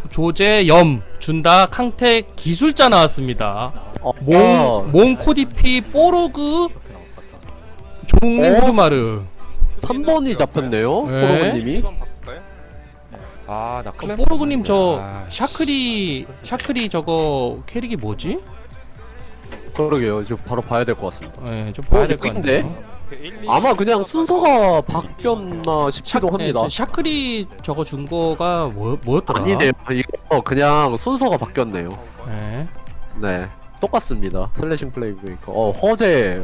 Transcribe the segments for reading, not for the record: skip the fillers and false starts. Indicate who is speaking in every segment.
Speaker 1: 조제, 염, 준다, 캉텍, 기술자 나왔습니다. 몽, 코디피, 뽀로그, 종님, 후드마르.
Speaker 2: 3번이 잡혔네요.
Speaker 1: 네.
Speaker 2: 포로그님이.
Speaker 3: 아나 클랜
Speaker 1: 뽀로그님 저
Speaker 3: 아,
Speaker 1: 샤크리 저거 캐릭이 뭐지?
Speaker 2: 그러게요. 지금 바로 봐야 될 것 같습니다.
Speaker 1: 네, 좀 봐야 될 것
Speaker 2: 근데?
Speaker 1: 같네요.
Speaker 2: 아마 그냥 순서가 바뀌었나 싶기도 합니다.
Speaker 1: 네, 샤크리 저거 준 거가 뭐였더라?
Speaker 2: 아니네요. 이거 그냥 순서가 바뀌었네요.
Speaker 1: 네.
Speaker 2: 네. 똑같습니다. 슬래싱 플레이브레이커. 허재.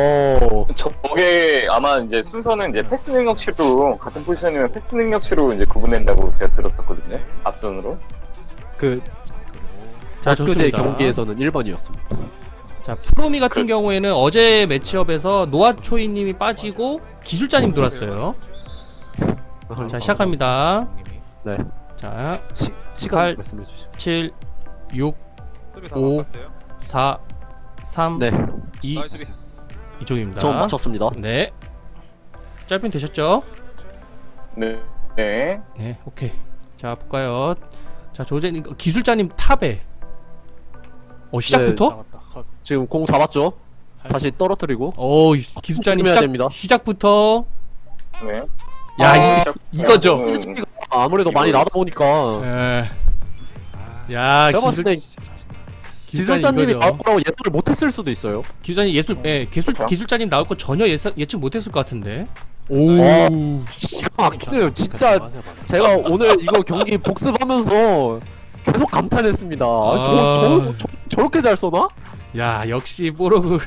Speaker 4: 저게 아마 이제 순서는 이제 패스 능력치로 같은 포지션이면 패스 능력치로 이제 구분된다고 제가 들었었거든요. 앞선으로.
Speaker 2: 그
Speaker 1: 자,
Speaker 2: 엊그제
Speaker 1: 좋습니다.
Speaker 2: 경기에서는 1번이었습니다.
Speaker 1: 자, 프로미 같은
Speaker 4: 그렇죠.
Speaker 1: 경우에는 어제 매치업에서 노아초이님이 빠지고 기술자님 돌았어요. 자, 시작합니다.
Speaker 2: 네.
Speaker 1: 자,
Speaker 2: 시간
Speaker 1: 팔,
Speaker 2: 말씀해 주시죠.
Speaker 1: 7, 6, 5, 4, 3,
Speaker 2: 네.
Speaker 1: 2, 이쪽입니다.
Speaker 2: 전 맞췄습니다.
Speaker 1: 네. 짧은 되셨죠?
Speaker 4: 네. 네.
Speaker 1: 네, 오케이. 자, 볼까요? 자, 조제님, 기술자님 탑에. 시작부터?
Speaker 2: 지금 공 잡았죠? 다시 떨어뜨리고.
Speaker 1: 기술자님
Speaker 2: 조심해야 됩니다.
Speaker 1: 시작부터.
Speaker 4: 네.
Speaker 1: 야, 이거죠.
Speaker 2: 아무래도 많이 나다 보니까
Speaker 1: 야,
Speaker 2: 제가 봤을 때 기술자님이
Speaker 1: 이거죠.
Speaker 2: 나올 거라고 예상을 못했을 수도 있어요.
Speaker 1: 기술자님
Speaker 4: 그렇죠.
Speaker 1: 기술자님 나올 거 전혀 예측 못했을 것 같은데. 오,
Speaker 2: 기가 막히네요. 진짜 제가 오늘 이거 경기 복습하면서 계속 감탄했습니다. 저렇게 잘 쏘나?
Speaker 1: 야, 역시 뽀로그.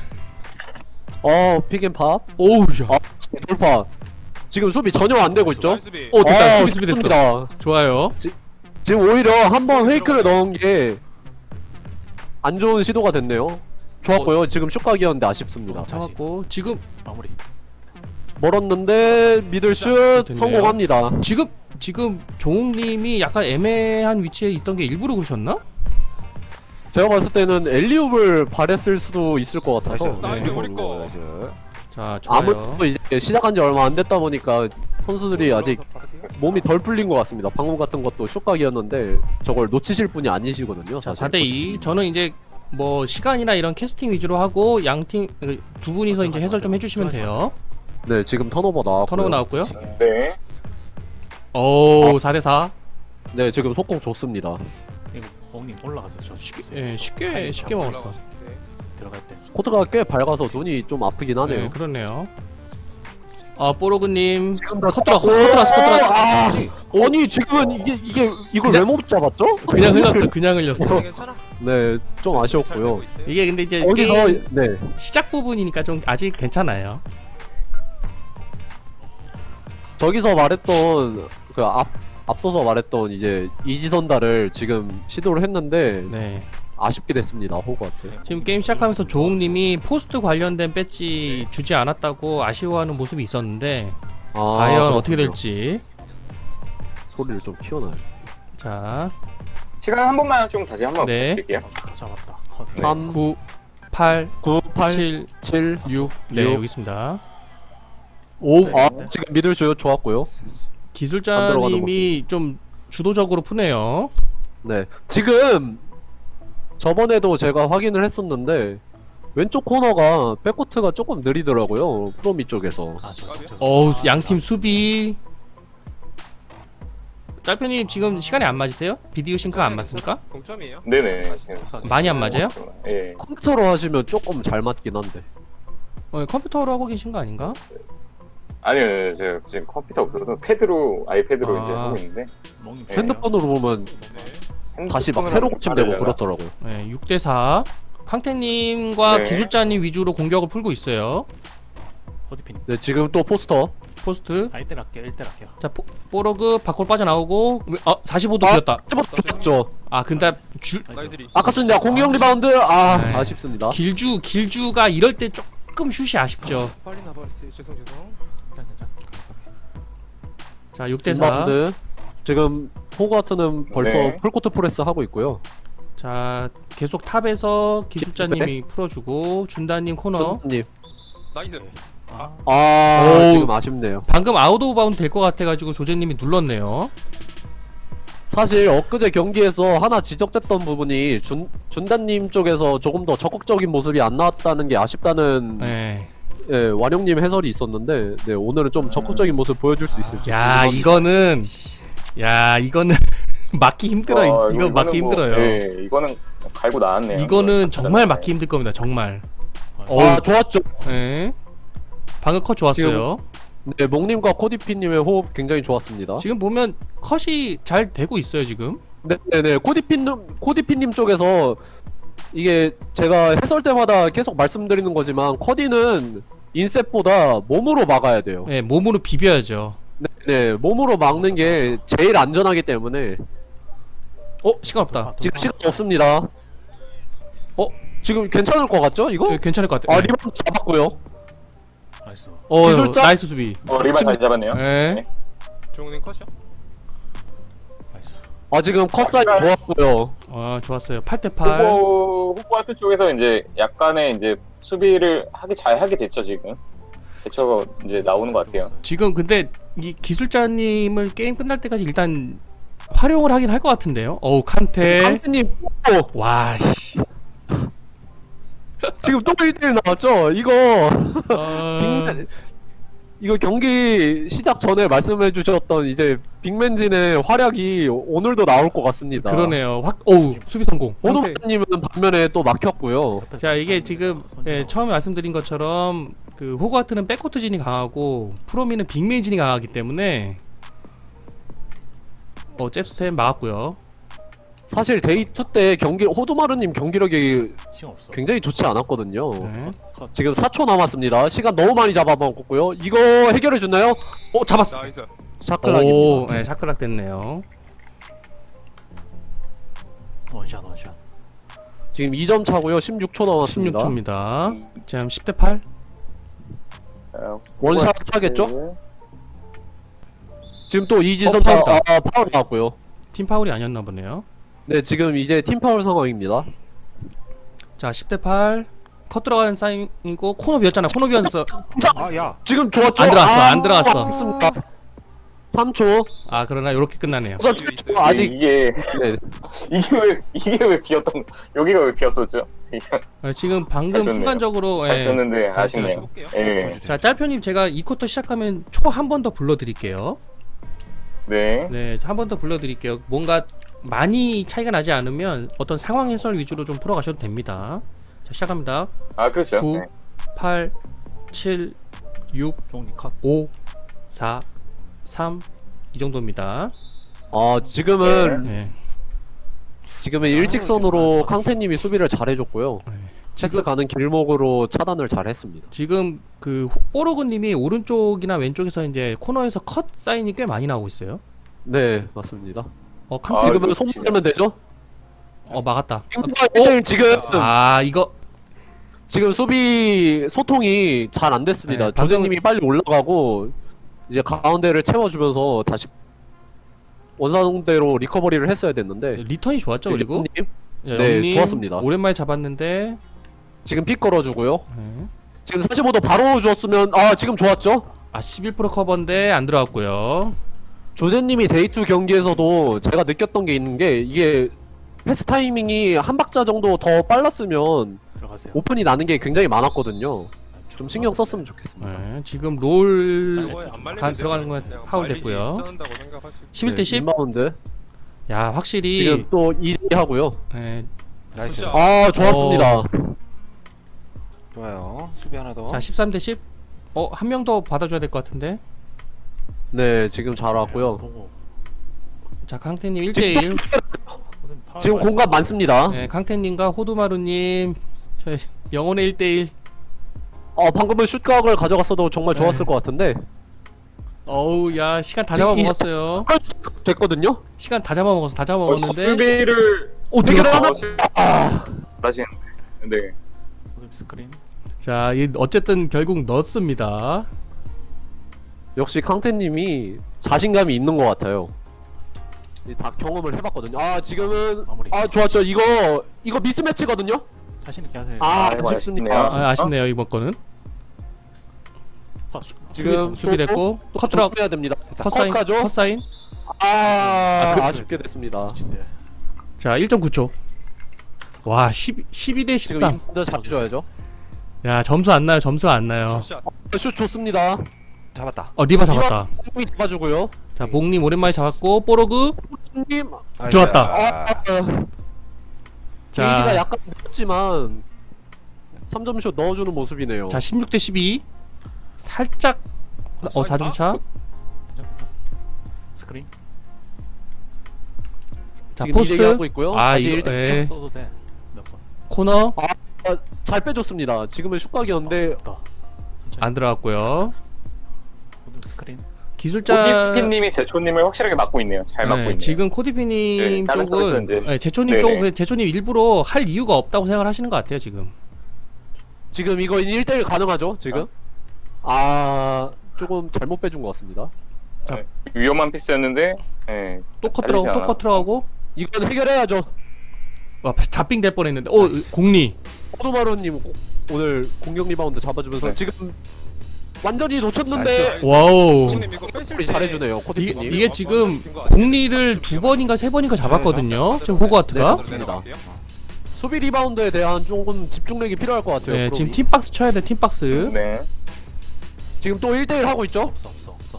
Speaker 2: 픽앤팝.
Speaker 1: 오우, 야.
Speaker 2: 돌파. 지금 수비 전혀 안 되고 있죠?
Speaker 1: 됐다. 수비 됐어.
Speaker 2: 좋습니다.
Speaker 1: 좋아요.
Speaker 2: 지금 오히려 한번 페이크를 넣은 게 안 좋은 시도가 됐네요. 좋았고요. 지금 슛각이었는데 아쉽습니다.
Speaker 1: 잡았고 지금
Speaker 2: 멀었는데 미들슛
Speaker 1: 됐네요.
Speaker 2: 성공합니다.
Speaker 1: 지금 종욱님이 약간 애매한 위치에 있던 게 일부러 그러셨나?
Speaker 2: 제가 봤을 때는 엘리웁을 바랬을 수도 있을 것 같아서.
Speaker 1: 네. 자, 좋아요.
Speaker 2: 아무래도 이제 시작한 지 얼마 안 됐다 보니까 선수들이 아직 몸이 덜 풀린 것 같습니다. 방금 같은 것도 슛각이었는데 저걸 놓치실 분이 아니시거든요.
Speaker 1: 자,
Speaker 2: 사실.
Speaker 1: 4대2. 저는 이제 뭐 시간이나 이런 캐스팅 위주로 하고 양팀 두 분이서 이제 해설 좀 해주시면 돼요.
Speaker 2: 네, 지금 턴오버 나왔고요.
Speaker 1: 턴오버 나왔고요.
Speaker 4: 네.
Speaker 1: 오, 4대4.
Speaker 2: 네, 지금 속공 좋습니다.
Speaker 5: 이거 멍님 올라가서 저
Speaker 1: 쉽게 먹었어.
Speaker 5: 들어갈 때
Speaker 2: 코트가 꽤 밝아서 눈이 좀 아프긴 하네요.
Speaker 1: 네, 그렇네요. 뽀로그님
Speaker 2: 지금 다
Speaker 1: 컷 들어갔어.
Speaker 2: 아니 지금은 이걸 왜 못 잡았죠?
Speaker 1: 그냥 흘렸어.
Speaker 2: 네, 좀 아쉬웠고요.
Speaker 1: 이게 근데 이제
Speaker 2: 어디서
Speaker 1: 게임
Speaker 2: 네,
Speaker 1: 시작 부분이니까 좀 아직 괜찮아요.
Speaker 2: 저기서 말했던 그 앞서서 말했던 이제 이지선다를 지금 시도를 했는데
Speaker 1: 네.
Speaker 2: 아쉽게 됐습니다. 호그한테.
Speaker 1: 지금 게임 시작하면서 조웅님이 포스트 관련된 배지 주지 않았다고 아쉬워하는 모습이 있었는데 과연 어떻게 될지.
Speaker 2: 소리를 좀 키워놔요.
Speaker 1: 자,
Speaker 4: 시간 한 번만 좀 다시 한번
Speaker 1: 네.
Speaker 4: 부탁드릴게요.
Speaker 5: 잡았다. 컷.
Speaker 2: 3,
Speaker 1: 9, 8,
Speaker 2: 9, 8,
Speaker 1: 7,
Speaker 2: 7.
Speaker 1: 6. 네,
Speaker 2: 육.
Speaker 1: 여기 있습니다. 오,
Speaker 5: 네.
Speaker 2: 지금 미들슛 좋았고요.
Speaker 1: 기술자님이 좀 주도적으로 푸네요.
Speaker 2: 네, 지금 저번에도 제가 확인을 했었는데 왼쪽 코너가 백코트가 조금 느리더라고요. 프로미 쪽에서.
Speaker 1: 어우, 양팀 수비. 짤편님 지금 시간이 안 맞으세요? 비디오 싱크가 안 맞습니까?
Speaker 3: 동점이에요?
Speaker 4: 네네.
Speaker 1: 많이 안 맞아요?
Speaker 4: 예.
Speaker 2: 컴퓨터로 하시면 조금 잘 맞긴 한데.
Speaker 1: 컴퓨터로 하고 계신 거 아닌가?
Speaker 4: 아니요, 제가 지금 컴퓨터 없어서 패드로 아이패드로 이제
Speaker 1: 아.
Speaker 4: 하고 있는데
Speaker 5: 멍님
Speaker 4: 네.
Speaker 2: 핸드폰으로 보면 다시 막 새로 고침되고 그렇더라고요.
Speaker 1: 네, 6대4. 캉테님과
Speaker 4: 네.
Speaker 1: 기술자님 위주로 공격을 풀고 있어요.
Speaker 5: 코디핀
Speaker 2: 네, 지금 또 포스터.
Speaker 1: 포스트.
Speaker 5: 1대 할게요. 1대 할게요.
Speaker 1: 자, 뽀로그 밖으로 빠져나오고 45도 비었다.
Speaker 2: 좋았죠.
Speaker 1: 근데
Speaker 2: 아깝습니다. 공격 리바운드.
Speaker 1: 네.
Speaker 2: 아쉽습니다.
Speaker 1: 길주가 이럴 때 조금 슛이 아쉽죠.
Speaker 3: 빨리 나버렸어요. 죄송.
Speaker 1: 자, 6대4.
Speaker 2: 리바운드. 지금 호그와트는 벌써
Speaker 4: 네.
Speaker 2: 풀코트 프레스 하고 있고요.
Speaker 1: 자, 계속 탑에서 기술자님이 풀어주고 준다님 코너.
Speaker 2: 준님.
Speaker 3: 나이스.
Speaker 1: 오.
Speaker 2: 지금 아쉽네요.
Speaker 1: 방금 아웃 오브 바운드 될 것 같아가지고 조제님이 눌렀네요.
Speaker 2: 사실 엊그제 경기에서 하나 지적됐던 부분이 준다님 쪽에서 조금 더 적극적인 모습이 안 나왔다는 게 아쉽다는
Speaker 1: 네.
Speaker 2: 예, 완용님 해설이 있었는데 네, 오늘은 좀 적극적인 모습 보여줄 수 있을지.
Speaker 1: 야 이거는 막기 힘들어. 이거 막기 힘들어요.
Speaker 4: 네, 이거는 갈고 나왔네요.
Speaker 1: 이거는 정말 막기 힘들 겁니다. 정말.
Speaker 2: 아 좋았죠.
Speaker 1: 네. 방금 컷 좋았어요.
Speaker 2: 네, 몽님과 코디피님의 호흡 굉장히 좋았습니다.
Speaker 1: 지금 보면 컷이 잘 되고 있어요 지금.
Speaker 2: 네네네, 코디피님 쪽에서 이게 제가 해설 때마다 계속 말씀드리는 거지만 커디는 인셋보다 몸으로 막아야 돼요.
Speaker 1: 네, 몸으로 비벼야죠.
Speaker 2: 네, 몸으로 막는 게 제일 안전하기 때문에
Speaker 1: 시간 없다.
Speaker 2: 지금 시간 없습니다. 지금 괜찮을 것 같죠? 이거?
Speaker 1: 네, 괜찮을 것 같아요.
Speaker 2: 아
Speaker 1: 네.
Speaker 2: 리본 잡았고요.
Speaker 5: 나이스.
Speaker 2: 기술자?
Speaker 1: 나이스 수비.
Speaker 4: 리바 잘 잡았네요.
Speaker 1: 네.
Speaker 3: 종훈님 컷이요?
Speaker 5: 나이스.
Speaker 2: 아 지금 컷 사이즈 좋았고요.
Speaker 1: 좋았어요. 8대8.
Speaker 4: 후보 하트 쪽에서 이제 약간의 이제 수비를 잘 하게 됐죠 지금. 대처가 이제 나오는 것 같아요.
Speaker 1: 지금 근데 이 기술자님을 게임 끝날 때까지 일단 활용을 하긴 할 것 같은데요. 칸테.
Speaker 2: 강태님
Speaker 1: 와 씨.
Speaker 2: 지금 또 1대1 나왔죠? 이거 경기 시작 전에 말씀해 주셨던 이제 빅맨진의 활약이 오늘도 나올 것 같습니다.
Speaker 1: 그러네요. 수비 성공. 칸테.
Speaker 2: 호동님은 반면에 또 막혔고요.
Speaker 1: 자 이게 지금 처음에 말씀드린 것처럼 그 호그와트는 백코트진이 강하고 프로미는 빅맨진이 강하기 때문에 잽스텝 막았고요.
Speaker 2: 사실 데이 2 때 호두마루님 경기력이
Speaker 5: 시간 없어.
Speaker 2: 굉장히 좋지 않았거든요.
Speaker 1: 네.
Speaker 5: 컷.
Speaker 2: 지금 4초 남았습니다. 시간 너무 많이 잡아먹었고요. 이거 해결해 주나요?
Speaker 1: 잡았어.
Speaker 3: 나이스.
Speaker 2: 샤클락입니다.
Speaker 1: 네, 샤클락 됐네요.
Speaker 5: 원샷.
Speaker 2: 지금 2점 차고요. 16초 남았습니다.
Speaker 1: 16초입니다. 지금 10대8.
Speaker 2: 원샷 하겠죠? 지금 또 이지선
Speaker 1: 파울 다.
Speaker 2: 파울 나왔고요.
Speaker 1: 팀 파울이 아니었나 보네요.
Speaker 2: 네, 지금 이제 팀 파울 상황입니다.
Speaker 1: 자 10대8. 컷 들어가는 사인이고 코너 비었잖아. 코너 비었어.
Speaker 3: 아 야.
Speaker 2: 지금 좋았죠?
Speaker 1: 안 들어왔어. 안 들어왔어.
Speaker 2: 좋습니다. 3초.
Speaker 1: 그러나 이렇게 끝나네요.
Speaker 2: 아직
Speaker 4: 이게
Speaker 2: 네.
Speaker 4: 이게 왜 비었던 여기가 왜 비었었죠?
Speaker 1: 지금 방금
Speaker 4: 잘 줬네요.
Speaker 1: 순간적으로
Speaker 4: 잘 줬는데
Speaker 1: 잘
Speaker 4: 아쉽네요.
Speaker 3: 볼게요.
Speaker 4: 예.
Speaker 1: 자 짤표님 제가 이 쿼터 시작하면 초 한 번 더 불러드릴게요.
Speaker 4: 네.
Speaker 1: 네, 한 번 더 불러드릴게요. 뭔가 많이 차이가 나지 않으면 어떤 상황 해설 위주로 좀 풀어가셔도 됩니다. 자, 시작합니다.
Speaker 4: 아 그렇죠.
Speaker 1: 9,
Speaker 4: 네.
Speaker 1: 8, 7, 6,
Speaker 5: 종님 컷.
Speaker 1: 5, 4, 3, 이 정도입니다.
Speaker 2: 지금은
Speaker 1: 네.
Speaker 2: 일직선으로 캉테님이 수비를 잘해줬고요.
Speaker 1: 네.
Speaker 2: 패스 가는 길목으로 차단을 잘했습니다.
Speaker 1: 지금 그 뽀로그님이 오른쪽이나 왼쪽에서 이제 코너에서 컷 사인이 꽤 많이 나오고 있어요.
Speaker 2: 네, 맞습니다.
Speaker 1: 캉
Speaker 2: 지금은
Speaker 4: 이거
Speaker 2: 손
Speaker 4: 진짜.
Speaker 2: 들면 되죠?
Speaker 1: 막았다.
Speaker 2: 지금
Speaker 1: 이거
Speaker 2: 지금 수비 소통이 잘 안 됐습니다.
Speaker 1: 네,
Speaker 2: 조재님이 빨리 올라가고 이제 가운데를 채워주면서 다시 원상대로 리커버리를 했어야 됐는데
Speaker 1: 리턴이 좋았죠. 그리고
Speaker 2: 님
Speaker 1: 네, 영님
Speaker 2: 좋았습니다.
Speaker 1: 오랜만에 잡았는데
Speaker 2: 지금 픽 걸어주고요.
Speaker 1: 네.
Speaker 2: 지금 45도 바로 줬으면 지금 좋았죠?
Speaker 1: 11% 커버인데 안 들어갔고요.
Speaker 2: 조재님이 데이2 경기에서도 제가 느꼈던 게 있는 게 이게 패스 타이밍이 한 박자 정도 더 빨랐으면
Speaker 5: 들어가세요.
Speaker 2: 오픈이 나는 게 굉장히 많았거든요. 좀 신경 썼으면 좋겠습니다.
Speaker 1: 네, 지금 롤
Speaker 3: 안 말리면
Speaker 1: 들어가는 건
Speaker 3: 그냥
Speaker 1: 파울
Speaker 3: 말리지
Speaker 1: 됐고요.
Speaker 3: 않는다고 생각하지.
Speaker 1: 11대 10.
Speaker 2: 인바운드
Speaker 1: 야 확실히
Speaker 2: 지금 또 2대 하고요.
Speaker 1: 네,
Speaker 3: 나이스.
Speaker 2: 좋았습니다.
Speaker 6: 좋아요. 수비 하나 더.
Speaker 1: 자 13대 10. 한 명 더 받아줘야 될 것 같은데.
Speaker 2: 네, 지금 잘 왔고요.
Speaker 5: 보고.
Speaker 1: 자 강태님 1대1.
Speaker 2: 지금 공간 많습니다.
Speaker 1: 네, 강태님과 호두마루님 저희 영혼의 1대1.
Speaker 2: 방금은 슛각을 가져갔어도 정말 좋았을
Speaker 1: 네.
Speaker 2: 것 같은데
Speaker 1: 어우 야 시간 다
Speaker 2: 지금
Speaker 1: 잡아먹었어요.
Speaker 2: 됐거든요.
Speaker 1: 시간 다 잡아먹었어. 다 잡아먹었는데.
Speaker 4: 수비를
Speaker 1: 들어갔어.
Speaker 4: 하시는데. 네.
Speaker 5: 스크린.
Speaker 1: 자 어쨌든 결국 넣었습니다.
Speaker 2: 역시 캉테님이 자신감이 있는 것 같아요. 다 경험을 해봤거든요. 지금은
Speaker 5: 마무리.
Speaker 2: 좋았죠. 이거 미스매치거든요.
Speaker 5: 자신 있게 하세요.
Speaker 4: 아이고,
Speaker 2: 아쉽습니다.
Speaker 1: 아쉽네요 이번 거는.
Speaker 5: 컷.
Speaker 2: 지금
Speaker 1: 수비됐고
Speaker 2: 또
Speaker 1: 컷 들어
Speaker 2: 조심해야 됩니다.
Speaker 1: 컷 사인
Speaker 2: 컷하죠.
Speaker 1: 컷 사인.
Speaker 2: 아쉽게 됐습니다.
Speaker 5: 진짜.
Speaker 1: 자 1.9초. 와 12대
Speaker 2: 지금
Speaker 1: 13.
Speaker 2: 인포드 잡혀줘야죠.
Speaker 1: 야 점수 안 나요. 점수 안 나요.
Speaker 3: 샷.
Speaker 2: 슛 좋습니다.
Speaker 3: 잡았다.
Speaker 1: 리바 잡았다.
Speaker 2: 이 잡아주고요.
Speaker 1: 자 목님 오랜만에 잡았고 뽀로그
Speaker 2: 님
Speaker 1: 들어왔다.
Speaker 2: 게이지가
Speaker 1: 자,
Speaker 2: 약간 늦었지만 3점슛 넣어주는 모습이네요.
Speaker 1: 자 16대 12. 살짝 4점 차.
Speaker 5: 스크린.
Speaker 1: 자
Speaker 2: 지금
Speaker 1: 포스트.
Speaker 2: 2대2 하고 있고요.
Speaker 1: 아
Speaker 2: 다시
Speaker 1: 이거
Speaker 2: 1대1.
Speaker 1: 예.
Speaker 5: 써도 돼. 몇 번.
Speaker 1: 코너
Speaker 2: 잘 빼줬습니다. 지금은 슛각이었는데
Speaker 5: 아깝다. 천천히.
Speaker 1: 안 들어갔고요.
Speaker 5: 모든 스크린.
Speaker 1: 기술자
Speaker 4: 오디피님이 제초님을 확실하게 막고 있네요. 잘 막고 있네요.
Speaker 1: 지금 코디피님
Speaker 4: 네, 다른
Speaker 1: 쪽은
Speaker 4: 쪽에서 이제-
Speaker 1: 네, 제초님
Speaker 4: 네네.
Speaker 1: 쪽은 제초님 일부러 할 이유가 없다고 생각을 하시는 것 같아요 지금.
Speaker 2: 지금 이거 1대1 가능하죠? 지금? 조금 잘못 빼준 것 같습니다.
Speaker 4: 위험한 피스였는데 예,
Speaker 1: 또 컷
Speaker 4: 잘리지
Speaker 1: 들어가고 또
Speaker 4: 않아.
Speaker 1: 컷 들어가고
Speaker 2: 이건 해결해야죠.
Speaker 1: 와 잡빙 될 뻔했는데 공리.
Speaker 2: 호두마루님 오늘 공격 리바운드 잡아주면서
Speaker 4: 네.
Speaker 2: 지금 완전히 놓쳤는데
Speaker 1: 와우.
Speaker 3: 형님 이거 빼실
Speaker 2: 우리
Speaker 3: 때
Speaker 2: 잘해주네요.
Speaker 1: 이게,
Speaker 2: 코디님.
Speaker 1: 이게 지금 공리를 2번인가 3번인가 잡았거든요. 지금 호그와트가.
Speaker 2: 맞습니다. 수비 리바운드에 대한 조금 집중력이 필요할 것 같아요.
Speaker 1: 네,
Speaker 2: 프로비.
Speaker 1: 지금 팀박스 쳐야 돼 팀박스.
Speaker 4: 네.
Speaker 2: 지금 또 1대1 하고 있죠?
Speaker 5: 없어.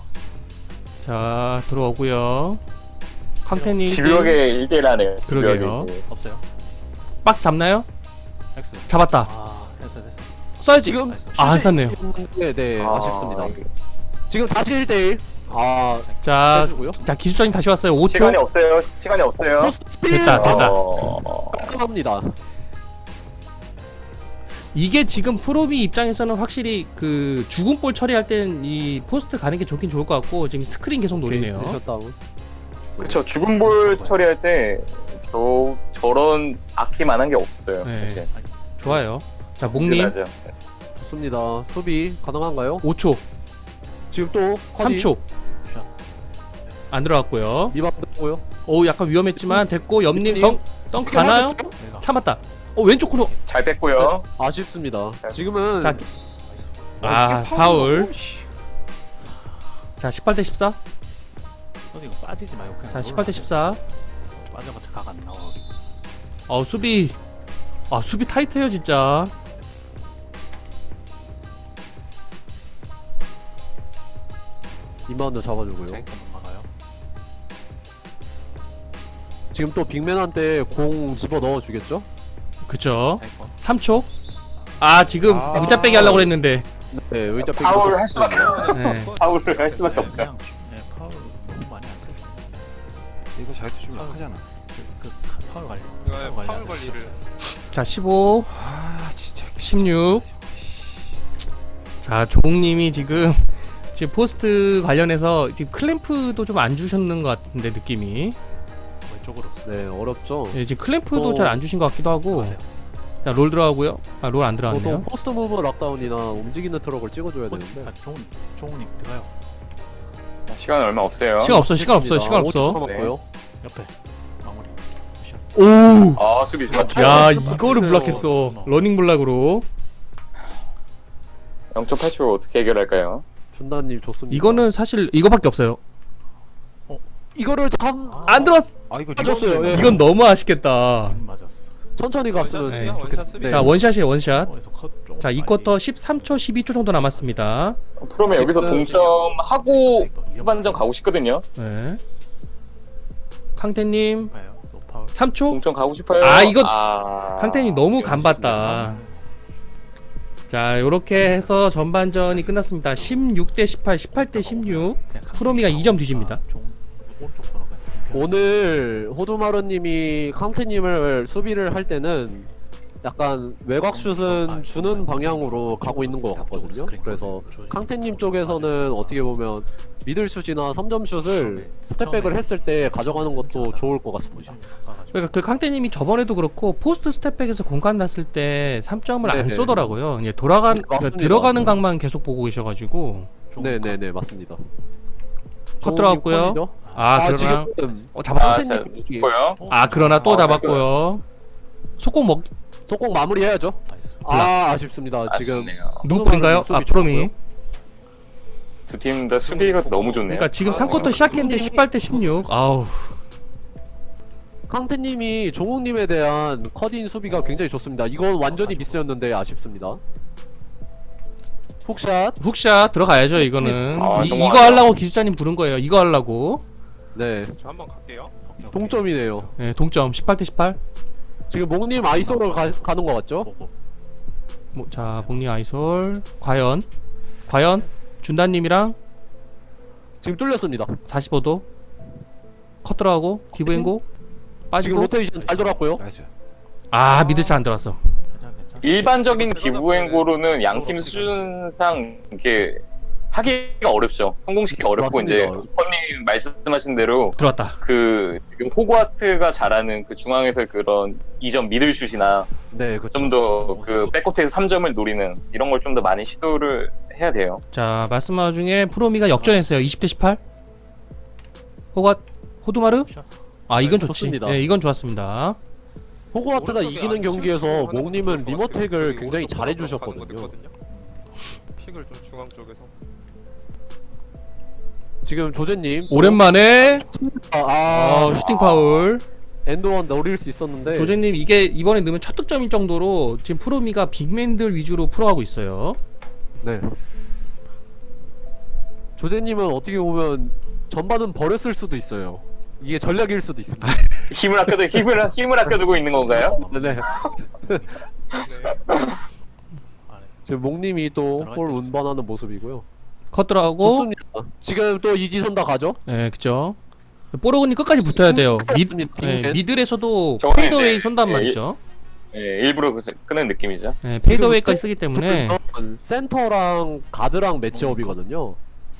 Speaker 1: 자 들어오고요. 강태님
Speaker 4: 집요하게 1대1 하네요.
Speaker 1: 그러게요.
Speaker 4: 집요하게.
Speaker 5: 없어요.
Speaker 1: 박스 잡나요?
Speaker 5: X.
Speaker 1: 잡았다.
Speaker 5: 됐어.
Speaker 1: 써야지.
Speaker 2: 지금
Speaker 5: 나이스.
Speaker 1: 안 샀네요.
Speaker 2: 네, 아쉽습니다.
Speaker 4: 이게
Speaker 2: 지금 다시 1대1.
Speaker 1: 자,
Speaker 2: 빼주고요.
Speaker 1: 자 기술자님 다시 왔어요. 5초.
Speaker 4: 시간이 없어요. 시간이 없어요.
Speaker 1: 됐다.
Speaker 2: 깔끔합니다.
Speaker 1: 이게 지금 프로비 입장에서는 확실히 그 죽은 볼 처리할 땐 이 포스트 가는 게 좋긴 좋을 것 같고 지금 스크린 계속 노리네요.
Speaker 2: 다운.
Speaker 4: 그렇죠. 죽은 볼 처리할 때 저런 아키만한 게 없어요.
Speaker 1: 네.
Speaker 4: 사실.
Speaker 1: 좋아요. 자 목님
Speaker 4: 든든하죠.
Speaker 2: 좋습니다. 수비 가능한가요?
Speaker 1: 5초,
Speaker 2: 지금 또
Speaker 1: 3초
Speaker 5: 샷.
Speaker 1: 안 들어갔고요.
Speaker 2: 리바운드 하고요.
Speaker 1: 오 약간 위험했지만 됐고 옆님
Speaker 2: 님.
Speaker 1: 덩 가나요?
Speaker 5: 내가.
Speaker 1: 참았다. 왜왼쪽 코너.
Speaker 4: 잘 뺐고요.
Speaker 2: 아쉽습니다. 지금은
Speaker 1: 자, 파울. 자 18대 14.
Speaker 5: 너 이거 빠지지 말고 그냥.
Speaker 1: 자 18대 14.
Speaker 5: 빠져봤자 각 안 나와.
Speaker 1: 수비 수비 타이트해요 진짜.
Speaker 2: 리바운드 잡아주고요.
Speaker 5: 자기가 못 막아요.
Speaker 2: 지금 또 빅맨한테 공 집어 넣어주겠죠?
Speaker 1: 그쵸.
Speaker 5: 자기 거.
Speaker 1: 3초. 지금 무자 빼기 하려고 그랬는데.
Speaker 2: 네, 의자 빼기.
Speaker 4: 파울 할 수밖에
Speaker 1: 네.
Speaker 4: 파울을 할 수밖에 없어요.
Speaker 5: 그냥 파울 너무 많이 안 써.
Speaker 3: 이거 잘 주면 하잖아.
Speaker 5: 파울 관리.
Speaker 3: 파울 관리를.
Speaker 1: 자 15,
Speaker 3: 진짜.
Speaker 1: 16. 자 조웅님이 지금 포스트 관련해서 지금 클램프도 좀 안 주셨는 것 같은데 느낌이.
Speaker 5: 왼쪽으로 없어.
Speaker 2: 네, 어렵죠.
Speaker 1: 네, 지금 클램프도
Speaker 2: 또-
Speaker 1: 잘 안 주신 것 같기도 하고.
Speaker 5: 가세요.
Speaker 1: 자 롤 들어가고요. 롤 안
Speaker 2: 보통
Speaker 1: 들어갔네요.
Speaker 2: 포스트 무브 락다운이나 움직이는 트럭을 찍어줘야 되는데.
Speaker 5: 종훈이 들어가요.
Speaker 4: 시간 얼마 없어요.
Speaker 1: 시간 없어. 시간 없어. 시간
Speaker 2: 5초
Speaker 1: 없어.
Speaker 2: 남았고요.
Speaker 5: 옆에 마무리. 샷.
Speaker 1: 오.
Speaker 4: 수비 좋아.
Speaker 1: 야 이거를 블락했어. 러닝 블락으로.
Speaker 4: 0.8초 어떻게 해결할까요?
Speaker 2: 준다님 좋습니다.
Speaker 1: 이거는 사실 이거밖에 없어요.
Speaker 2: 이거를 참
Speaker 1: 안 들어왔어.
Speaker 3: 이거
Speaker 2: 빠졌어요. 예.
Speaker 1: 이건 너무 아쉽겠다.
Speaker 5: 맞았어.
Speaker 2: 천천히 갔으면
Speaker 1: 네.
Speaker 2: 좋겠습니다.
Speaker 1: 자 원샷이에요 원샷.
Speaker 5: 거기서 컷 조금
Speaker 1: 자
Speaker 5: 많이-
Speaker 1: 2쿼터 13초 12초 정도 남았습니다.
Speaker 4: 프로면 여기서
Speaker 2: 지금-
Speaker 4: 동점하고 후반전 가고 싶거든요.
Speaker 1: 네. 강태님
Speaker 5: 봐요. 노 파울.
Speaker 1: 3초.
Speaker 4: 동점 가고 싶어요.
Speaker 1: 이거
Speaker 4: 아,
Speaker 1: 강태님 너무 간봤다. 자 요렇게 해서 전반전이 끝났습니다. 16대 18, 18대 16. 프로미가 2점 뒤집니다.
Speaker 5: 오른쪽 코너 그냥 좀
Speaker 2: 오늘 호두마루님이 캉테님을 수비를 할 때는 약간 외곽 슛은 주는 방향으로 가고 있는 것 같거든요. 그래서 캉테님 쪽에서는 어떻게 보면 미들 슛이나 3점 슛을 스텝백을 했을 때 가져가는 것도 좋을 것 같습니다.
Speaker 1: 그러니까 그 강태님이 저번에도 그렇고 포스트 스텝백에서 공간 났을 때 3점을 안
Speaker 2: 네네.
Speaker 1: 쏘더라고요. 이제
Speaker 2: 맞습니다.
Speaker 1: 들어가는 각만 계속 보고 계셔가지고.
Speaker 2: 네네네 맞습니다.
Speaker 1: 컷 들어갔고요. 그러나
Speaker 2: 지금
Speaker 1: 잡았어.
Speaker 2: 캉테님이
Speaker 4: 있고요.
Speaker 1: 그러나 또 잡았고요. 속공 먹
Speaker 2: 속공 마무리해야죠.
Speaker 5: 나이스.
Speaker 2: 아쉽습니다. 지금
Speaker 4: 아쉽네요.
Speaker 1: 누구 뿌린가요?
Speaker 2: 수비
Speaker 1: 프로미.
Speaker 2: 좋고요.
Speaker 4: 두 팀 다 수비가 너무 좋네요.
Speaker 1: 그러니까 지금 3쿼터 시작했는데 18대 16. 아우.
Speaker 2: 캉테님이 종욱님에 대한 컷인 수비가 굉장히 좋습니다. 이건 완전히 미스였는데 아쉽습니다. 훅샷.
Speaker 1: 훅샷 들어가야죠 이거는.
Speaker 4: 아,
Speaker 1: 이거
Speaker 4: 넘어가죠.
Speaker 1: 하려고 기술자님 부른 거예요. 이거 하려고.
Speaker 2: 네,
Speaker 6: 저 한번 갈게요.
Speaker 2: 동점이네요.
Speaker 1: 네, 동점 18대 18.
Speaker 2: 지금 목님 아이소로 가는 것 같죠?
Speaker 5: 보고.
Speaker 1: 자, 복리 아이솔. 과연 준다님이랑
Speaker 2: 지금 뚫렸습니다.
Speaker 1: 45도 컷 들어가고 디브앵고
Speaker 2: 지금
Speaker 1: 빠지고.
Speaker 2: 로테이션 잘 돌았고요.
Speaker 3: 나이스.
Speaker 1: 아 미드차 안 들어왔어.
Speaker 5: 괜찮아.
Speaker 4: 일반적인 기부행고로는 양팀 수준상 이렇게 하기가 어렵죠. 성공시키기 어렵고
Speaker 2: 맞습니다.
Speaker 4: 이제 허님 말씀하신 대로
Speaker 1: 들어왔다.
Speaker 4: 그 지금 호그와트가 잘하는 그 중앙에서 그런 이점 미들슛이나
Speaker 2: 네, 그렇죠.
Speaker 4: 좀 더 그 백코트에서 3점을 노리는 이런 걸 좀 더 많이 시도를 해야 돼요.
Speaker 1: 자 말씀한 와중에 프로미가 역전했어요. 20대 18. 호두마르? 아 이건 좋지.
Speaker 2: 좋습니다.
Speaker 1: 네, 이건 좋았습니다.
Speaker 2: 호그와트가
Speaker 6: 오른쪽에
Speaker 2: 이기는
Speaker 6: 안
Speaker 2: 경기에서
Speaker 6: 슛을 하는
Speaker 2: 목님은
Speaker 6: 것도
Speaker 2: 리머텍을
Speaker 6: 그리고
Speaker 2: 굉장히
Speaker 6: 오른쪽으로
Speaker 2: 잘해
Speaker 6: 가는 거
Speaker 2: 주셨거든요.
Speaker 6: 있거든요. 픽을 좀 중앙 쪽에서.
Speaker 2: 지금 조제님
Speaker 1: 오랜만에
Speaker 2: 아,
Speaker 1: 슈팅 파울.
Speaker 2: 엔드원 노릴 수 있었는데
Speaker 1: 조제님 이게 이번에 넣으면 첫 득점일 정도로 지금 프로미가 빅맨들 위주로 풀어가고 있어요.
Speaker 2: 네. 조제님은 어떻게 보면 전반은 버렸을 수도 있어요. 이게 전략일 수도 있습니다.
Speaker 4: 힘을 아껴두고 있는 건가요?
Speaker 2: 네네.
Speaker 6: 네.
Speaker 2: 지금 목님이 또 볼 운반하는 모습이고요.
Speaker 1: 컷 들어가고.
Speaker 2: 좋습니다. 지금 또 이지선다 가죠?
Speaker 1: 네, 그죠. 뽀로그님 끝까지 붙어야 돼요.
Speaker 2: 네.
Speaker 1: 미들에서도
Speaker 4: 저거는
Speaker 1: 페이더웨이
Speaker 4: 이제,
Speaker 1: 쏜단
Speaker 4: 예,
Speaker 1: 말이죠.
Speaker 4: 예, 일부러 끄는 느낌이죠.
Speaker 1: 네, 페이더웨이까지 쓰기 때문에
Speaker 2: 센터랑 가드랑 매치업이거든요.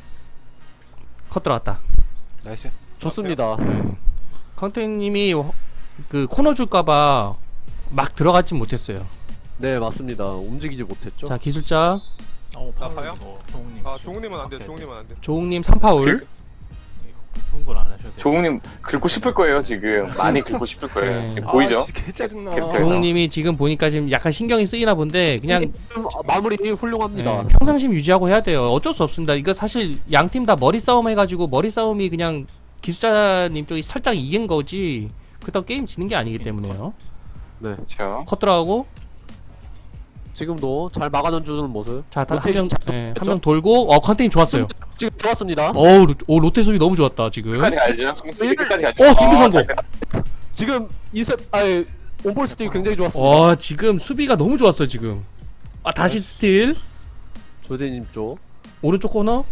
Speaker 1: 컷 들어갔다.
Speaker 3: 나이스.
Speaker 2: 좋습니다.
Speaker 1: 컨텐님이 그 코너 줄까봐 막 들어가진 못했어요.
Speaker 2: 네, 맞습니다. 움직이지 못했죠.
Speaker 1: 자 기술자
Speaker 6: 나가요?
Speaker 5: 종욱님.
Speaker 6: 아 종욱님은 안 돼. 종욱님은 안 돼.
Speaker 1: 조웅님 3파울.
Speaker 5: 흥분 안 하셔도 돼요.
Speaker 4: 조웅님 긁고 싶을 거예요 지금. 많이 긁고 싶을 거예요.
Speaker 1: 네.
Speaker 4: 지금 보이죠?
Speaker 3: 아, 개 짜증나.
Speaker 4: 캡틴.
Speaker 1: 조웅님이 지금 보니까 지금 약간 신경이 쓰이나 본데 그냥
Speaker 2: 마무리 훌륭합니다.
Speaker 1: 평상심 유지하고 해야 돼요. 어쩔 수 없습니다. 이거 사실 양 팀 다 머리 싸움 해가지고 머리 싸움이 그냥 기술자님 쪽이 살짝 이긴 거지 그렇다고 게임 지는 게 아니기 때문에요.
Speaker 2: 네.
Speaker 4: 그렇죠.
Speaker 1: 컷 들어가고
Speaker 2: 지금도 잘 막아주는 모습.
Speaker 1: 자
Speaker 2: 로테이션
Speaker 1: 한 명 돌고 컨텐님 좋았어요.
Speaker 2: 지금 좋았습니다.
Speaker 1: 로테 소리 너무 좋았다 지금.
Speaker 4: 끝까지 가야죠. 끝까지 가죠.
Speaker 1: 수비 성공.
Speaker 2: 지금 이셉 아예 온볼 스틸 굉장히 좋았습니다.
Speaker 1: 지금 수비가 너무 좋았어 지금. 다시 스틸.
Speaker 2: 조제님 쪽.
Speaker 1: 오른쪽 코너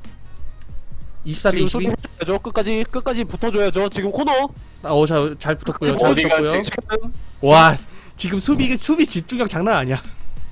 Speaker 1: 24대 22.
Speaker 2: 해줘야죠. 끝까지 붙어줘야죠. 지금 코너.
Speaker 1: 잘 붙었고요. 잘
Speaker 4: 어디가
Speaker 1: 붙었고요.
Speaker 2: 지금
Speaker 1: 와 지금 수비 집중력 장난 아니야.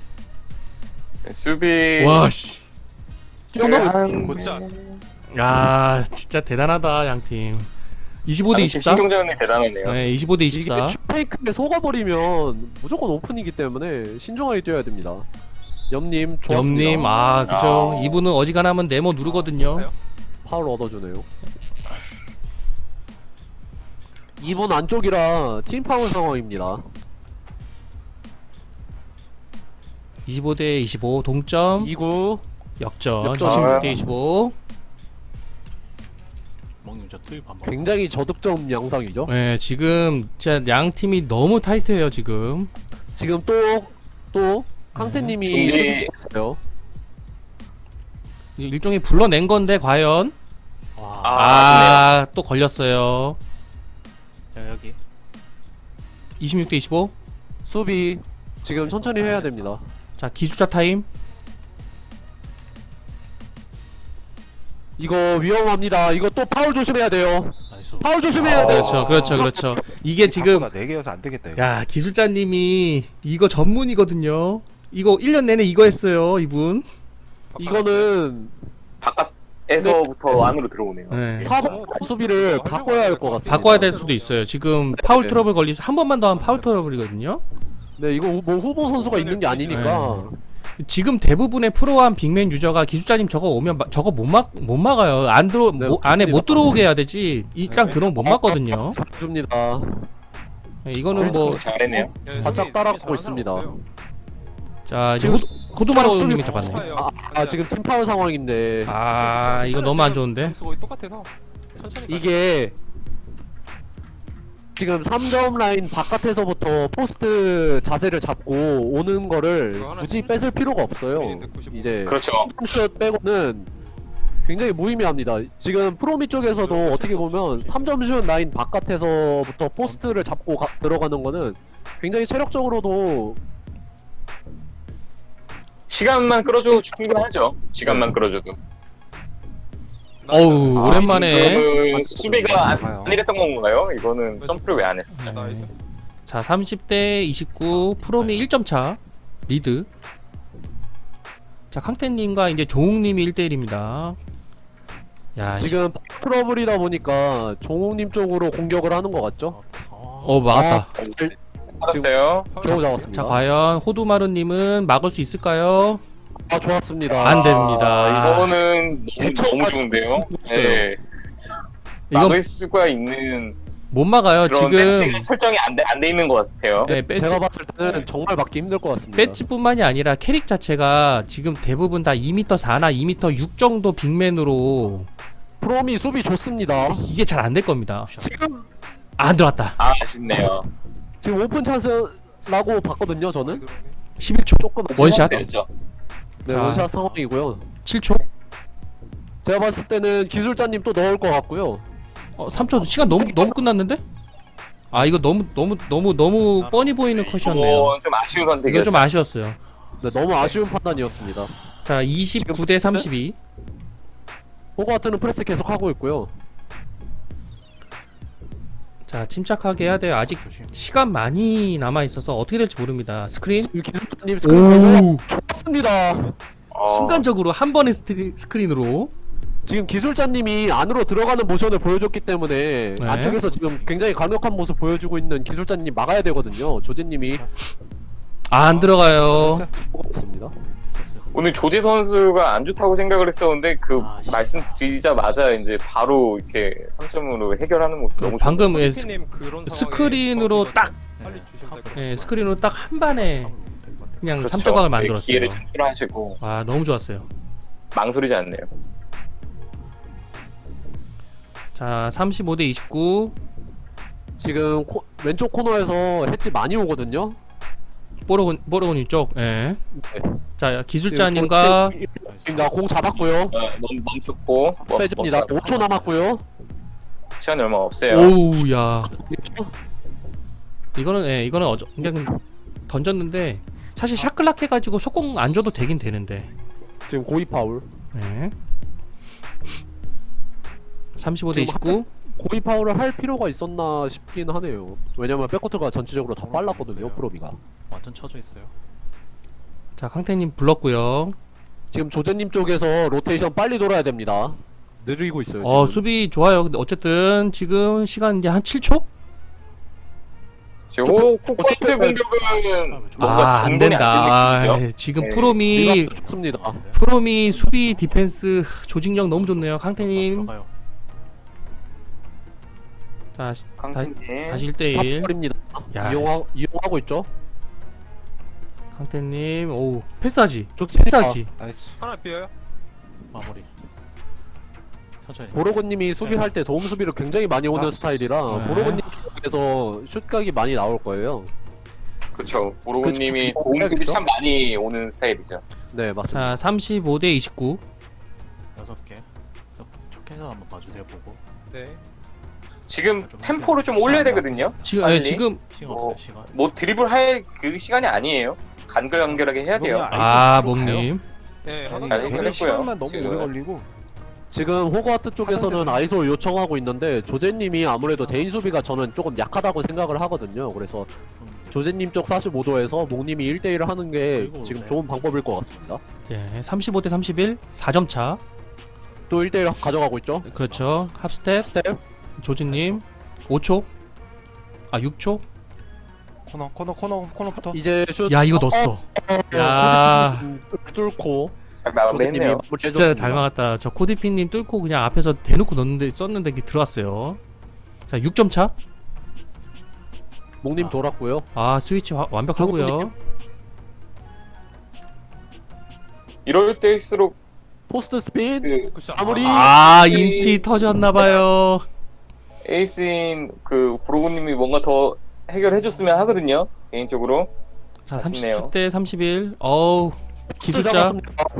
Speaker 4: 수비.
Speaker 1: 와 씨.
Speaker 6: 곧자.
Speaker 1: 야 진짜 대단하다 양 팀. 25대 24.
Speaker 4: 신경전이 대단하네요.
Speaker 1: 네 25대
Speaker 2: 이게
Speaker 1: 24.
Speaker 2: 슈페이크에 속아버리면 무조건 오픈이기 때문에 신중하게 뛰어야 됩니다. 염님 좋았습니다.
Speaker 1: 염님 그죠.
Speaker 4: 아.
Speaker 1: 이분은 어지간하면 네모 누르거든요.
Speaker 2: 파울 얻어주네요. 2분 안쪽이라 팀 파울 상황입니다.
Speaker 1: 25대 25 동점.
Speaker 2: 2구
Speaker 1: 역전.
Speaker 2: 역전.
Speaker 1: 26대 25.
Speaker 5: 먹님 저 투입 한번.
Speaker 2: 굉장히 저득점 양상이죠.
Speaker 1: 네 지금 진짜 양 팀이 너무 타이트해요 지금.
Speaker 2: 지금 또 캉테님이
Speaker 4: 준비.
Speaker 2: 있어요.
Speaker 1: 일종의 불러낸 건데 과연
Speaker 5: 와.
Speaker 1: 또 걸렸어요.
Speaker 5: 자 여기.
Speaker 1: 26대 25.
Speaker 2: 수비 지금 천천히 해야 됩니다.
Speaker 1: 자 기술자 타임.
Speaker 2: 이거 위험합니다. 이거 또 파울 조심해야 돼요.
Speaker 5: 나이스.
Speaker 2: 파울 조심해야 돼요.
Speaker 1: 그렇죠. 이게 지금
Speaker 3: 4개여서 안 되겠다. 이거.
Speaker 1: 야 기술자님이 이거 전문이거든요. 이거 1년 내내 이거 했어요 이분.
Speaker 2: 이거는
Speaker 4: 바깥에서부터 안으로 들어오네요.
Speaker 1: 네.
Speaker 2: 4번 수비를 바꿔야 할 것 같습니다.
Speaker 1: 바꿔야 될 수도 있어요. 지금 파울 트러블 걸리서 한 번만 더 하면 파울 트러블이거든요.
Speaker 2: 네, 이거 뭐 후보 선수가 있는 게 아니니까.
Speaker 1: 지금 대부분의 프로한 빅맨 유저가 기술자님 저거 오면 저거 못 막아요. 안 들어
Speaker 2: 네,
Speaker 1: 안에 못 들어오게 해야 되지. 입장 들어오면 못 막거든요.
Speaker 2: 잘줍니다.
Speaker 1: 네, 이거는 뭐
Speaker 4: 잘했네요.
Speaker 2: 바짝 따라가고 있습니다.
Speaker 1: 자 이제
Speaker 2: 지금
Speaker 1: 호두마루
Speaker 2: 수비
Speaker 1: 님이 잡았네.
Speaker 6: 없어요.
Speaker 2: 아 지금 팀파워 상황인데
Speaker 1: 아 이거 너무 안 좋은데.
Speaker 6: 거의 똑같아서 천천히 가자.
Speaker 2: 이게 지금 3점 라인 바깥에서부터 포스트 자세를 잡고 오는 거를 굳이 뺏을 필요가 없어요. 이제
Speaker 4: 그렇죠.
Speaker 2: 슛 빼고는 굉장히 무의미합니다. 지금 프로미 쪽에서도 어떻게 보면 3점 슛 라인 바깥에서부터 포스트를 잡고 들어가는 거는 굉장히 체력적으로도
Speaker 4: 시간만 끌어줘도 충분하죠. 시간만 끌어줘도.
Speaker 1: 어우 오랜만에.
Speaker 4: 그러면 수비가
Speaker 3: 좋아요.
Speaker 4: 안 이랬던 건가요? 이거는 점프를 왜 안 했어?
Speaker 6: 나이스.
Speaker 1: 자 30대 29 프롬이 1점 차 리드. 자 캉테님과 이제 조웅님이 1대1입니다. 야
Speaker 2: 지금 트러블이다 보니까 종욱님 쪽으로 공격을 하는 것 같죠?
Speaker 1: 막았다.
Speaker 4: 살았어요.
Speaker 2: 겨우 잡았습니다.
Speaker 1: 자 과연 호두마루님은 막을 수 있을까요?
Speaker 2: 아 좋았습니다.
Speaker 1: 안 됩니다.
Speaker 4: 이거는 너무 좋은데요.
Speaker 2: 없어요.
Speaker 4: 네.
Speaker 1: 이건
Speaker 4: 막을 수가 있는
Speaker 1: 못 막아요.
Speaker 4: 그런
Speaker 1: 지금
Speaker 4: 배치 설정이 안 돼 있는 것 같아요.
Speaker 1: 네, 배치,
Speaker 2: 제가 봤을 때는 정말 막기 힘들 것 같습니다.
Speaker 1: 배치뿐만이 아니라 캐릭 자체가 지금 대부분 다 2m 4나 2m 6 정도 빅맨으로
Speaker 2: 프롬이 수비 좋습니다.
Speaker 1: 이게 잘 안 될 겁니다.
Speaker 2: 지금
Speaker 1: 안 들어왔다.
Speaker 4: 아, 아쉽네요.
Speaker 2: 지금 오픈 찬스라고 봤거든요. 저는
Speaker 1: 11초
Speaker 2: 조금
Speaker 1: 원샷.
Speaker 4: 됐죠.
Speaker 2: 네,
Speaker 1: 자.
Speaker 2: 원샷 상황이고요.
Speaker 1: 7초.
Speaker 2: 제가 봤을 때는 기술자님 또 넣을 것 같고요.
Speaker 1: 3초 시간 너무 끝났는데? 아 이거 너무 뻔히 보이는 컷이었네요.
Speaker 4: 이건 좀 아쉬운
Speaker 1: 이건
Speaker 4: 선택이었죠.
Speaker 1: 좀 아쉬웠어요.
Speaker 2: 네, 너무 아쉬운 판단이었습니다.
Speaker 1: 자 29대 32.
Speaker 2: 호그와트는 프레스 계속 하고 있고요.
Speaker 1: 자 침착하게 해야 돼요. 아직
Speaker 5: 조심.
Speaker 1: 시간 많이 남아 있어서 어떻게 될지 모릅니다. 스크린.
Speaker 2: 지금 기술자님 스크린
Speaker 1: 오.
Speaker 2: 좋습니다.
Speaker 1: 순간적으로 한 번의 스크린으로.
Speaker 2: 지금 기술자님이 안으로 들어가는 모션을 보여줬기 때문에
Speaker 1: 네.
Speaker 2: 안쪽에서 지금 굉장히 강력한 모습 보여주고 있는 기술자님 막아야 되거든요. 조제님이
Speaker 1: 안 들어가요.
Speaker 2: 있습니다.
Speaker 4: 오늘 조지 선수가 안 좋다고 생각을 했었는데 그
Speaker 5: 아, 씨.
Speaker 4: 말씀드리자마자 이제 바로 이렇게 3점으로 해결하는 모습 너무
Speaker 1: 방금 예,
Speaker 6: 님 그런
Speaker 1: 스크린으로
Speaker 6: 상황에
Speaker 1: 딱
Speaker 6: 빨리 주셔야 될것 같아요.
Speaker 1: 예, 스크린으로 딱 한 반에 그냥
Speaker 4: 그렇죠.
Speaker 1: 3점각을
Speaker 4: 네,
Speaker 1: 만들었어요.
Speaker 4: 기회를 창출하시고
Speaker 1: 와 너무 좋았어요.
Speaker 4: 망설이지 않네요.
Speaker 1: 자 35대 29.
Speaker 2: 지금 왼쪽 코너에서 햇지 많이 오거든요.
Speaker 1: 뽀로곤님 쪽. 예.
Speaker 2: 네.
Speaker 1: 자 기술자님과
Speaker 2: 공 잡았고요.
Speaker 4: 멈췄고
Speaker 2: 빼줍니다. 5초 남았고요.
Speaker 4: 시간이 얼마 없어요.
Speaker 1: 오우야. 이거는 그냥 던졌는데 사실 샤클락 해가지고 속공 안 줘도 되긴 되는데.
Speaker 2: 지금 고의 파울.
Speaker 1: 예. 35대
Speaker 2: 지금
Speaker 1: 29.
Speaker 2: 고의 파울을 할 필요가 있었나 싶긴 하네요. 왜냐면 백코트가 전체적으로 다 빨랐거든요. 프로비가.
Speaker 5: 완전 쳐져 있어요.
Speaker 1: 자 캉테님 불렀고요.
Speaker 2: 지금 조제님 쪽에서 로테이션 빨리 돌아야 됩니다. 느리고 있어요. 지금.
Speaker 1: 수비 좋아요. 근데 어쨌든 지금 시간 이제 한 7초?
Speaker 4: 지금 코코트 공격은 뭔가
Speaker 1: 안
Speaker 4: 중간에
Speaker 1: 된다.
Speaker 4: 안 되거든요.
Speaker 1: 지금
Speaker 4: 네.
Speaker 1: 프롬이
Speaker 2: 리박스 좋습니다.
Speaker 1: 프롬이 수비 디펜스 조직력 너무 좋네요. 캉테님.
Speaker 5: 들어가요.
Speaker 1: 자
Speaker 4: 강팀님
Speaker 1: 다시 1대1.
Speaker 2: 버립니다.
Speaker 1: 야,
Speaker 2: 이용하고 있죠.
Speaker 1: 캉테님. 오 패스하지.
Speaker 2: 좋습니다.
Speaker 1: 패스하지.
Speaker 3: 나이스.
Speaker 6: 하나 비어요.
Speaker 5: 마무리. 천천히.
Speaker 2: 보로고님이 수비할 때 도움 수비를 굉장히 많이 오는 스타일이라
Speaker 1: 네.
Speaker 2: 보로고님 쪽에서 슛각이 많이 나올 거예요.
Speaker 4: 그렇죠. 보로그님이
Speaker 2: 그쵸.
Speaker 4: 도움수비 참 많이 오는 스타일이죠.
Speaker 2: 네 맞습니다.
Speaker 1: 자 35대 29.
Speaker 5: 6개. 척해서 한번 봐주세요 보고.
Speaker 6: 네.
Speaker 4: 지금 템포를 좀 올려야 되거든요.
Speaker 1: 지금
Speaker 4: 빨리.
Speaker 1: 지금
Speaker 5: 시간
Speaker 4: 어.
Speaker 5: 없어요 시간.
Speaker 4: 뭐 드리블 할 그 시간이 아니에요. 간결간결하게 해야 돼요.
Speaker 1: 목님.
Speaker 6: 네. 하나
Speaker 4: 잘
Speaker 6: 더.
Speaker 4: 해결했고요.
Speaker 3: 시간만 너무
Speaker 4: 지금.
Speaker 3: 오래 걸리고.
Speaker 2: 지금 호그와트 쪽에서는 아이소 요청하고 있는데 조제님이 아무래도 대인 수비가 저는 조금 약하다고 생각을 하거든요. 그래서 조제님 쪽 45도에서 목님이 1대1을 하는 게 지금 좋은 방법일 것 같습니다.
Speaker 1: 네, 35대 31. 4점 차.
Speaker 2: 또 1대1 가져가고 있죠.
Speaker 1: 그렇죠. 합스텝.
Speaker 2: 스텝.
Speaker 1: 조진님. 5초. 아 6초.
Speaker 3: 코너부터.
Speaker 2: 이제 슛.
Speaker 1: 야 이거 넣었어. 야
Speaker 2: 뚫고
Speaker 4: 잘 마무리했네요.
Speaker 1: 진짜 잘 막았다. 저 코디피님 뚫고 그냥 앞에서 대놓고 썼는데 이게 들어왔어요. 자 6점 차.
Speaker 2: 목님 돌았고요.
Speaker 1: 아 스위치 완벽하고요.
Speaker 4: 이럴 때일수록
Speaker 2: 포스트 스핀.
Speaker 4: 그
Speaker 6: 그쵸.
Speaker 2: 아무리
Speaker 1: 아 인티 터졌나봐요.
Speaker 4: 에이스인 그 브로그님이 뭔가 더 해결해줬으면 하거든요. 개인적으로.
Speaker 1: 자
Speaker 4: 아쉽네요.
Speaker 1: 37대 31. 어우 기술자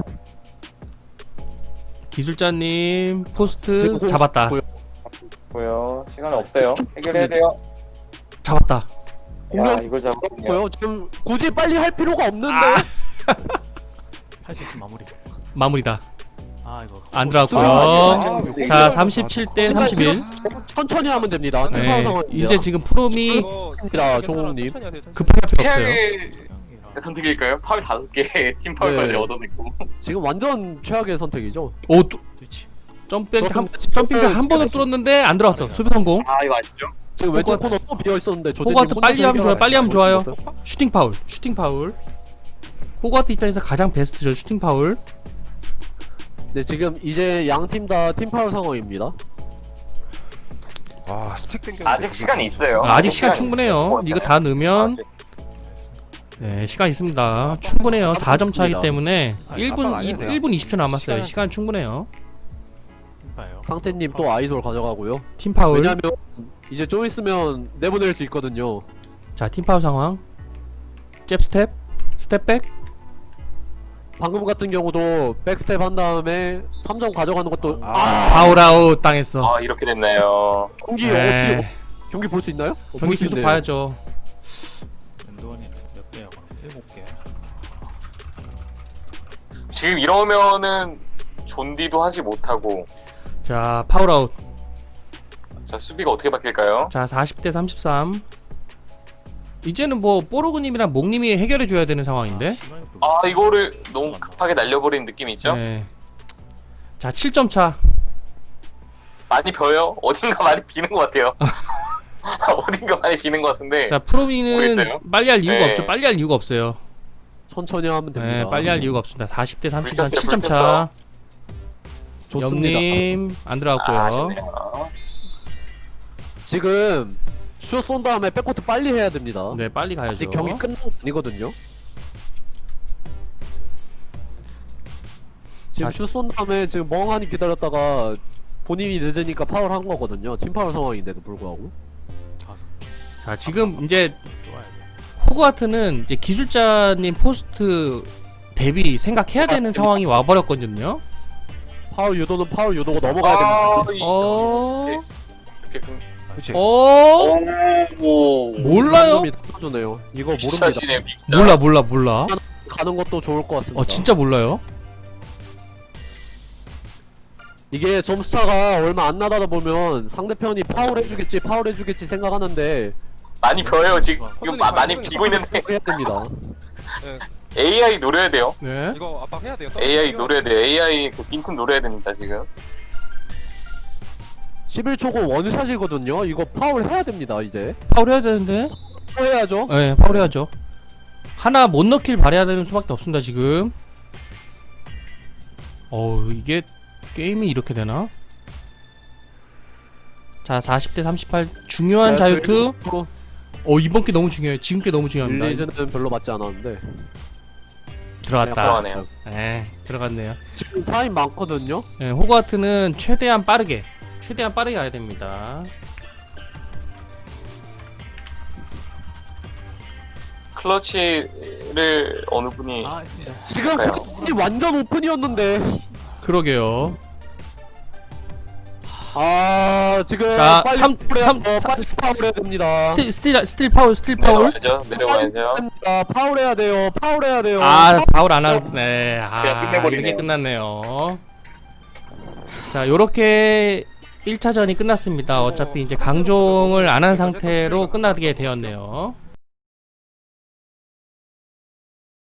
Speaker 1: 기술자님 포스트 잡았다.
Speaker 4: 고요. 시간 없어요. 해결해야 돼요.
Speaker 1: 잡았다.
Speaker 4: 야,
Speaker 2: 공격
Speaker 4: 이걸 잡았군요.
Speaker 2: 고요. 지금 굳이 빨리 할 필요가 없는데.
Speaker 5: 할 수 있으면 마무리.
Speaker 1: 마무리다.
Speaker 5: 아 이거
Speaker 1: 안
Speaker 2: 아,
Speaker 1: 들어갔고요. 자 37대 31.
Speaker 2: 천천히 하면 됩니다.
Speaker 1: 네, 이제 지금 프롬이
Speaker 6: 이거
Speaker 2: 입니다, 종욱님.
Speaker 6: 천천히 해야 돼요, 천천히.
Speaker 1: 급할 필요 없어요.
Speaker 4: 최악의 선택일까요? 파울 5개 팀 파울까지
Speaker 2: 네.
Speaker 4: 얻어냈고.
Speaker 2: 지금 완전 최악의 선택이죠.
Speaker 1: 오 또,
Speaker 5: 스위치.
Speaker 1: 점핑
Speaker 2: 좋습니다.
Speaker 1: 한 번을 뚫었는데 안 들어왔어. 수비 성공.
Speaker 4: 아 이거 아시죠?
Speaker 2: 지금 왼쪽
Speaker 1: 호가트.
Speaker 2: 코너 또 비어 있었는데 조대님
Speaker 1: 호가트
Speaker 2: 혼자서
Speaker 1: 빨리 하면 좋아요. 빨리 하면 좋아요.
Speaker 2: 해결하고
Speaker 1: 슈팅 파울. 슈팅 파울. 호가트 입장에서 가장 베스트죠. 슈팅 파울.
Speaker 2: 네, 지금 이제 양 팀 다 팀 파울 상황입니다.
Speaker 3: 와 스틱 땡겼는데
Speaker 4: 아직 시간이 있어요.
Speaker 1: 아직 시간
Speaker 4: 시간이
Speaker 1: 충분해요.
Speaker 4: 있어요.
Speaker 1: 이거 다 넣으면
Speaker 4: 아직.
Speaker 1: 네, 시간 있습니다. 충분해요. 4점 차이기 때문에
Speaker 3: 아니,
Speaker 1: 1분
Speaker 3: 압박 안 해도 돼요.
Speaker 1: 1분 20초 남았어요.
Speaker 3: 시간-
Speaker 1: 시간 충분해요.
Speaker 5: 봐요.
Speaker 2: 상태님 또 아이돌 가져가고요.
Speaker 1: 팀 파울.
Speaker 2: 왜냐면 이제 좀 있으면 내보낼 수 있거든요.
Speaker 1: 자, 팀 파울 상황. 잽 스텝. 스텝백.
Speaker 2: 방금 같은 경우도 백스텝 한 다음에 3점 가져가는 것도
Speaker 1: 파울 아웃 당했어.
Speaker 4: 아 이렇게 됐나요.
Speaker 2: 경기
Speaker 1: 네.
Speaker 2: 어떻게 경기 볼 수 있나요?
Speaker 1: 경기
Speaker 2: 볼수
Speaker 1: 계속
Speaker 2: 있네요.
Speaker 1: 봐야죠.
Speaker 5: 엔도원이 몇 개야? 그럼 7개.
Speaker 4: 지금 이러면은 존디도 하지 못하고
Speaker 1: 자, 파울 아웃.
Speaker 4: 자 수비가 어떻게 바뀔까요?
Speaker 1: 자, 40대 33. 이제는 뭐 뽀로그님이랑 목님이 해결해 줘야 되는 상황인데.
Speaker 4: 아 이거를 너무 급하게 날려버린 느낌이 있죠?
Speaker 1: 네. 자, 7점 차.
Speaker 4: 많이 벼요? 어딘가 많이 비는 것 같아요. 어딘가 많이 비는 것 같은데.
Speaker 1: 자, 프로미는
Speaker 4: 모르겠어요.
Speaker 1: 빨리 할 이유가
Speaker 4: 네.
Speaker 1: 없죠. 빨리 할 이유가 없어요.
Speaker 2: 천천히 하면 됩니다.
Speaker 1: 네, 빨리 할 이유가 없습니다. 40대 33
Speaker 4: 불켰어요,
Speaker 1: 7점 차.
Speaker 4: 불켰어.
Speaker 2: 좋습니다.
Speaker 1: 염님 안 들어갔고요.
Speaker 4: 아, 아쉽네요.
Speaker 2: 지금 슛 쏜 다음에 백코트 빨리 해야 됩니다.
Speaker 1: 네, 빨리 가야죠.
Speaker 2: 아직 경기 끝난 거 아니거든요. 지금
Speaker 1: 자,
Speaker 2: 슛 쏜 다음에 지금 멍하니 기다렸다가 본인이 늦으니까 파울 한 거거든요. 팀 파울 상황인데도 불구하고.
Speaker 5: 5개.
Speaker 1: 자, 지금 이제
Speaker 5: 좋아야 돼.
Speaker 1: 호그와트는 이제 기술자님 포스트 대비 생각해야 되는 상황이 와버렸거든요.
Speaker 2: 파울 유도는 파울 유도고 넘어가야 됩니다.
Speaker 1: 어,
Speaker 4: 이렇게
Speaker 3: 그치
Speaker 1: 어,
Speaker 4: 오.
Speaker 1: 몰라요?
Speaker 2: 터주네요. 이거 모릅니다.
Speaker 4: 비싸지네 비싸.
Speaker 1: 몰라.
Speaker 2: 가는 것도 좋을 것 같습니다.
Speaker 1: 진짜 몰라요.
Speaker 2: 이게 점수차가 얼마 안 나다 보면 상대편이 파울 해주겠지 생각하는데
Speaker 4: 많이 벼요 지금 많이 비고 있는데
Speaker 2: 해야 됩니다.
Speaker 4: AI 노려야 돼요.
Speaker 1: 네.
Speaker 6: 이거 압박해야 돼요.
Speaker 4: AI 노려야 돼요. AI 그 빈틈 노려야 됩니다 지금.
Speaker 2: 11초고 원샷이거든요. 이거 파울 해야 됩니다. 이제
Speaker 1: 파울 해야 되는데.
Speaker 2: 파울 해야죠.
Speaker 1: 네, 파울 해야죠. 하나 못 넣길 바래야 되는 수밖에 없습니다 지금. 이게 게임이 이렇게 되나? 자, 40대 38 중요한 자유투. 이번 게 너무 중요해요. 지금 게 너무 중요합니다.
Speaker 2: 릴리즈는 별로 맞지 않았는데
Speaker 1: 들어갔다.
Speaker 4: 들어가네요.
Speaker 1: 네, 들어갔네요.
Speaker 2: 지금 타임 많거든요.
Speaker 1: 네, 호그와트는 최대한 빠르게 가야 됩니다.
Speaker 4: 클러치를 어느 분이
Speaker 5: 아, 있습니다.
Speaker 2: 지금
Speaker 4: 그러니까요.
Speaker 2: 타임이 완전 오픈이었는데
Speaker 1: 그러게요.
Speaker 2: 지금
Speaker 1: 자,
Speaker 2: 빨리
Speaker 1: 삼-
Speaker 2: 파울해야
Speaker 1: 삼-
Speaker 2: 돼요.
Speaker 1: 사-
Speaker 2: 빨리 파울해야 됩니다.
Speaker 1: 스틸 파울.
Speaker 4: 내려와야죠.
Speaker 2: 파울해야 돼요.
Speaker 1: 파울 안 하고 네.
Speaker 4: 그냥 끝내버리네요.
Speaker 1: 이렇게 끝났네요. 자, 요렇게 1차전이 끝났습니다. 어차피 이제 강종을 안 한 상태로 끝나게 되었네요.